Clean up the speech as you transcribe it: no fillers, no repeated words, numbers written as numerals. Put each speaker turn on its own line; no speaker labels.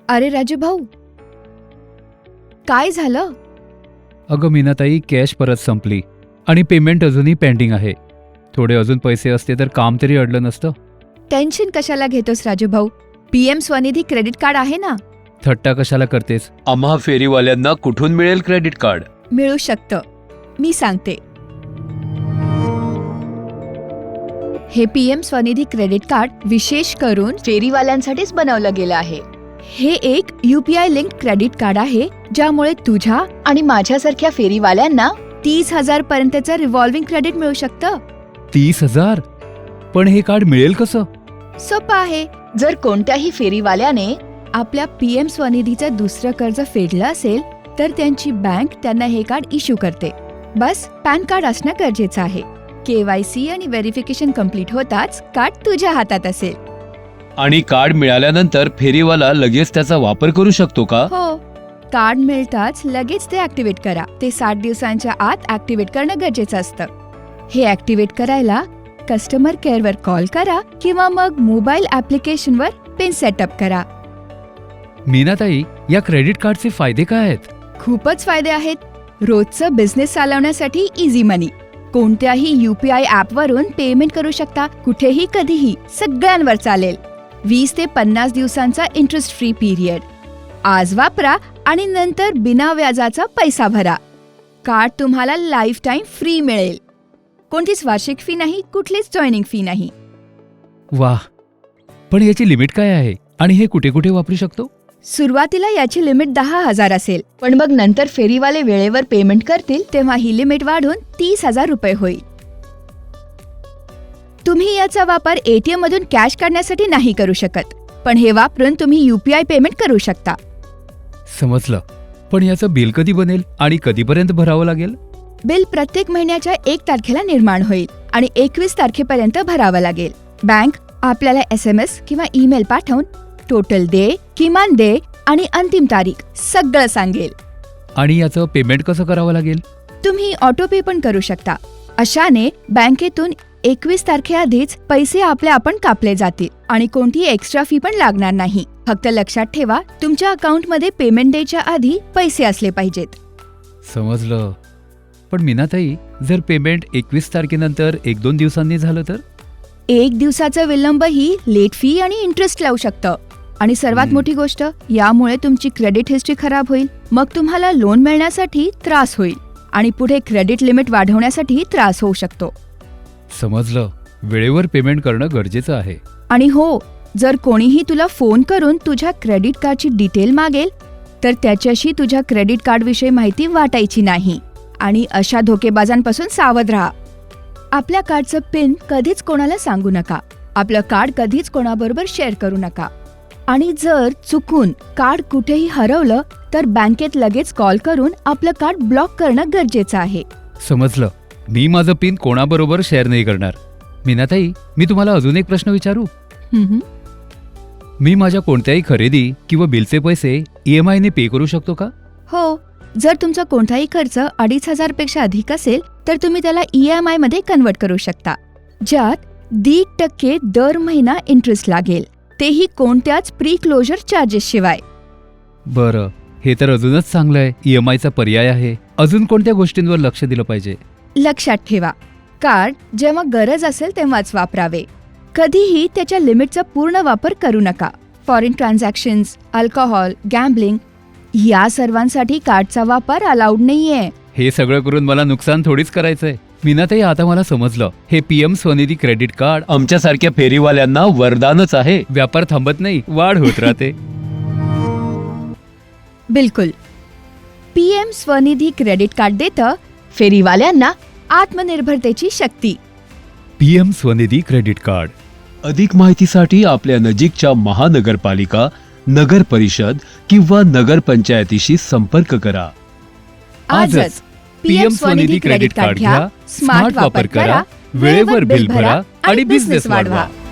अरे राजू भाऊ, काय झालं?
अगं मीनाताई, कॅश परत संपली आणि पेमेंट अजूनही पेंडिंग आहे. थोडे अजून पैसे असते तर काम तरी अडलं नसतं.
टेन्शन कशाला घेतोस राजू भाऊ? PM स्वनिधी क्रेडिट कार्ड आहे ना.
थट्टा कशाला करतेस?
आम्हा फेरीवाल्यांना कुठून मिळेल क्रेडिट कार्ड?
मिळू शकतं, मी सांगते. हे PM स्वनिधी क्रेडिट कार्ड विशेष करून फेरीवाल्यांसाठीच बनवलं गेलं आहे. हे एक UPI लिंक क्रेडिट कार्ड आहे, ज्यामुळे तुझ्या आणि माझ्यासारख्या फेरीवाल्यांना 30,000 पर्यंतचं रिव्हॉल्विंग क्रेडिट मिळू शकतं.
30,000? पण हे कार्ड मिळेल कसं?
सोपं आहे. जर कोणत्याही फेरीवाल्याने आपल्या PM स्वनिधीचं दुसरं कर्ज फेडलं असेल तर त्यांची बँक त्यांना हे कार्ड इश्यू करते. बस पॅन कार्ड असणं गरजेचं आहे. KYC आणि व्हेरिफिकेशन कम्प्लीट होताच कार्ड तुझ्या हातात असेल.
आणि कार्ड मिळाल्यानंतर फेरीवाला लगेच त्याचा वापर करू शकतो का?
हो, कार्ड मिळताच लगेच ते ऍक्टिव्हेट करा. ते 60 दिवसांच्या आत ऍक्टिव्हेट करणं गरजेचं असतं. हे ऍक्टिव्हेट करायला कस्टमर केअरवर कॉल करा किंवा मग मोबाईल ऍप्लिकेशनवर पिन सेटअप करा.
मीनाताई, या क्रेडिट कार्डचे फायदे काय आहेत?
खूपच फायदे आहेत. रोजचं बिझनेस चालवण्यासाठी इझी मनी. कोणत्याही UPI ॲपवरून पेमेंट करू शकता, कुठेही कधीही, सगळ्यांवर चालेल. 20 ते 50 दिवसांचा इंटरेस्ट फ्री पिरियड. आज वापरा आणि नंतर बिना व्याजाचा पैसा भरा. कार्ड तुम्हाला लाईफ टाईम फ्री मिळेल. कोणतीच वार्षिक फी नाही, कुठलीच जॉईनिंग फी नाही.
वाह! पण याची लिमिट काय आहे आणि हे कुठे कुठे वापरू शकतो?
सुरुवातीला याची लिमिट 10,000 असेल, पण मग नंतर फेरीवाले वेळेवर पेमेंट करतील तेव्हा ही लिमिट वाढून 30,000 रुपये होईल. तुम्ही याचा वापर ATM मधून कॅश काढण्यासाठी नाही करू शकत, पण हे वापरून तुम्ही UPI पेमेंट करू शकता.
समजलं. पण याचं बिल कधी बनेल आणि कधीपर्यंत भरावं लागेल?
बिल प्रत्येक महिन्याच्या 1 तारखेला निर्माण होईल आणि 21 तारखेपर्यंत भरावं लागेल. बँक आपल्याला SMS किंवा ईमेल पाठवून टोटल दे, किमान दे आणि अंतिम तारीख सगळं सांगेल.
आणि याचं पेमेंट कसं करावं लागेल?
तुम्ही ऑटो पे पण करू शकता. अशाने बँकेतून 21 तारखेआधीच पैसे आपण कापले जातील आणि कोणतीही एक्स्ट्रा फी पण लागणार नाही. फक्त लक्षात ठेवा, तुमच्या अकाउंटमध्ये पेमेंट डेच्या आधी पैसे असले पाहिजेत.
समजलं. पण मीनाताई, जर पेमेंट 21 तारखेनंतर 1-2 दिवसांनी झालं तर?
1 दिवसाचा विलंबही लेट फी आणि इंटरेस्ट लावू शकतं. आणि सर्वात मोठी गोष्ट, यामुळे तुमची क्रेडिट हिस्ट्री खराब होईल. मग तुम्हाला लोन मिळण्यासाठी त्रास होईल आणि पुढे क्रेडिट लिमिट वाढवण्यासाठी त्रास होऊ शकतो.
समजलं. वेळेवर पेमेंट करणं गरजेचं आहे.
आणि हो, जर कोणीही तुला फोन करून तुझ्या क्रेडिट कार्डची डिटेल मागेल तर त्याच्याशी तुझ्या क्रेडिट कार्डविषयी माहिती वाटायची नाही. आणि अशा धोकेबाजांपासून सावध राहा. आपल्या कार्डचं पिन कधीच कोणाला सांगू नका. आपलं कार्ड कधीच कोणाबरोबर शेअर करू नका. आणि जर चुकून कार्ड कुठेही हरवलं तर बँकेत लगेच कॉल करून आपलं कार्ड ब्लॉक करणं गरजेचं आहे.
समजलं. मी माझं पिन कोणाबरोबर शेअर नाही करणार. मीनाताई, मी तुम्हाला अजून एक प्रश्न विचारू? मी माझ्या कोणत्याही खरेदी किंवा बिलचे पैसे EMI ने पे करू शकतो का?
हो, जर तुमचा कोणताही खर्च 2,500 पेक्षा अधिक असेल तर तुम्ही त्याला EMI मध्ये कन्वर्ट करू शकता, ज्यात 1.5% दर महिना इंटरेस्ट लागेल, तेही कोणत्याच प्री क्लोजर चार्जेस शिवाय.
बरं, हे तर अजूनच चांगलं आहे. EMIचा पर्याय आहे. अजून कोणत्या गोष्टींवर लक्ष दिलं पाहिजे?
लक्षात ठेवा, कार्ड जेव्हा गरज असेल तेव्हाच वापरावे. कधीही त्याच्या लिमिटचा पूर्ण वापर करू नका. फॉरेन ट्रान्झॅक्शन्स, अल्कोहोल, गॅम्बलिंग या सर्वांसाठी कार्डचा वापर अलाउड नाहीये.
हे सगळं करून मला नुकसान थोडीच करायचंय. मीनाताई, आता मला समजलं. हे PM स्वनिधी क्रेडिट कार्ड
आमच्यासारख्या फेरीवाल्यांना वरदानच आहे.
व्यापार थांबत नाही, वाढ होत राहते.
बिलकुल. PM स्वनिधी क्रेडिट कार्ड देतं फेरीवाल्यांना आत्मनिर्भरतेची शक्ती.
PM Svanidhi credit card.
अधिक माहितीसाठी आपल्या नजीकच्या महानगरपालिका, नगर परिषद किंवा नगर पंचायतीशी संपर्क करा.
आजच PM स्वनिधी क्रेडिट कार्ड घ्या, स्मार्ट वापर करा, वेळेवर बिल भरा आणि बिझनेस वाढवा.